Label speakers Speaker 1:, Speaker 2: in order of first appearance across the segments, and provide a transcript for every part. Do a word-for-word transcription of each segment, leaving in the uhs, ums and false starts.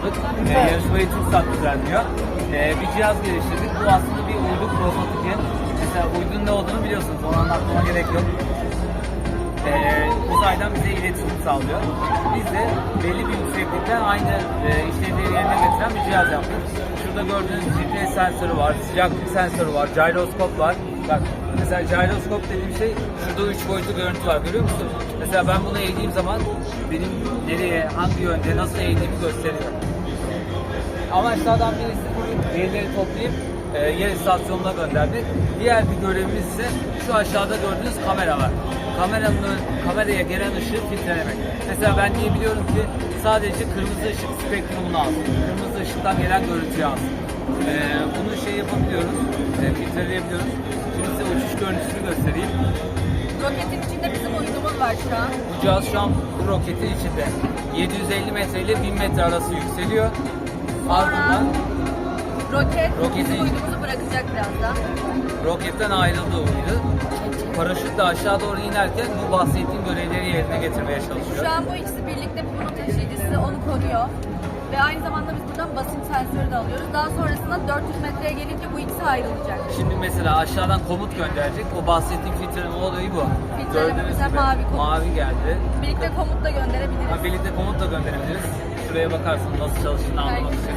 Speaker 1: aldık. E, yarışmayı TürkSat düzenliyor. E, bir cihaz geliştirdik. Bu aslında bir uydu prototipi. Mesela uydunun ne olduğunu biliyorsunuz. Onu anlatmama gerek yok. E, uzaydan bize iletişim sağlıyor. Biz de belli bir yükseklikte aynı e, işlevleri yerine getiren bir cihaz yaptık. Şurada gördüğünüz G P S sensörü var, sıcaklık sensörü var, gyroskop var. Bak mesela gyroskop dediğim şey, şurada üç boyutlu görüntü var, görüyor musun? Mesela ben bunu eğdiğim zaman benim nereye, hangi yönde, nasıl eğdiğimi gösteriyor. Amaçlardan birisi bu verileri toplayıp e, yer istasyonuna göndermek. Diğer bir görevimiz ise şu aşağıda gördüğünüz kamera var. Kameranın kameraya gelen ışığı filtrelemek. Mesela ben diyebiliyorum ki sadece kırmızı ışık spektrumunu alsın. Kırmızı ışıktan gelen görüntüyü alsın. E, bunu şey yapabiliyoruz, e, filtreleyebiliyoruz. Şimdi size uçuş görüntüsünü göstereyim.
Speaker 2: Roketin içinde bizim uydumuz var şu an.
Speaker 1: Bu cihaz şu an bu roketin içinde. yedi yüz elli metre ile bin metre arası yükseliyor. Ardından
Speaker 2: roket
Speaker 1: roketin
Speaker 2: bizim uydumuzu bırakacak birazdan.
Speaker 1: roketten ayrıldı uydu. Paraşütle aşağı doğru inerken bu bahsettiğim görevleri yerine getirmeye çalışıyor.
Speaker 2: Şu an bu ikisi birlikte bunun taşıyıcısı onu koruyor. Ve aynı zamanda biz buradan basınç sensörü de alıyoruz. Daha sonrasında dört yüz metreye gelince bu ikisi ayrılacak.
Speaker 1: Şimdi mesela aşağıdan komut gönderecek. O bahsettiğim filtreleme olayı bu.
Speaker 2: Filtrelememize mavi komut.
Speaker 1: Mavi geldi.
Speaker 2: Birlikte komut da gönderebiliriz.
Speaker 1: Ha, birlikte komut da gönderebiliriz. Şuraya bakarsın nasıl çalıştığını anlamak için.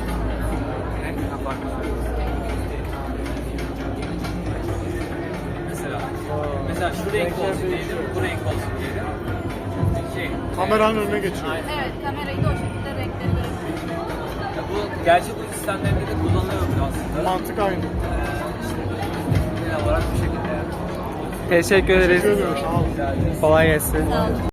Speaker 1: Mesela, mesela şu renk olsun diyelim, bu renk olsun diyelim. Şey,
Speaker 3: Kameranın önüne geçiyor.
Speaker 1: aynen.
Speaker 2: Evet, kamerayı da o şekilde renkleri görebiliriz.
Speaker 1: Ya bu gerçek uydu sistemlerinde de kullanılıyor aslında.
Speaker 3: Mantık aynı.
Speaker 1: Genel olarak bu şekilde.
Speaker 4: Teşekkür ederiz.
Speaker 3: Teşekkür ederim. Sağ olun.
Speaker 1: Güzel.
Speaker 4: Kolay gelsin.
Speaker 2: Sağ olun.